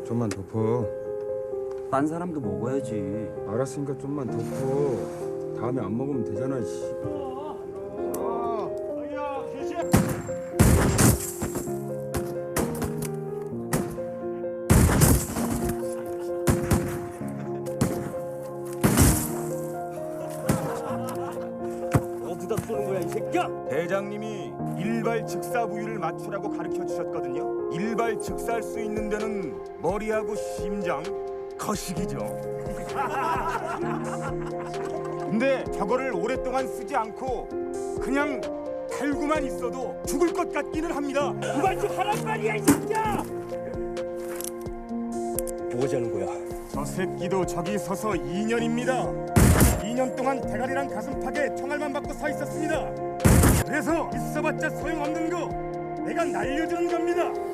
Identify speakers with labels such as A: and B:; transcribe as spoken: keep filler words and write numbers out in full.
A: 좀만 덮어.
B: 딴 사람도 먹어야지.
A: 알았으니까 좀만 덮어. 다음에 안 먹으면 되잖아. 씨.
B: 어디다 쏘는 거야 이 새끼야?
C: 대장님이 일발 즉사 부위를 맞추라고 가르쳐 주셨거든요. 일발 즉사할 수 있는 데는 머리하고 심장, 거식이죠. 근데 저거를 오랫동안 쓰지 않고 그냥 달고만 있어도 죽을 것 같기는 합니다.
B: 그만 좀 하란 말이야 이 새끼야! 뭐하자는 거야?
C: 저 새끼도 저기 서서 이 년입니다. 이 년 동안 대가리랑 가슴팍에 총알만 받고 서 있었습니다. 그래서 있어봤자 소용없는 거 내가 날려주는 겁니다.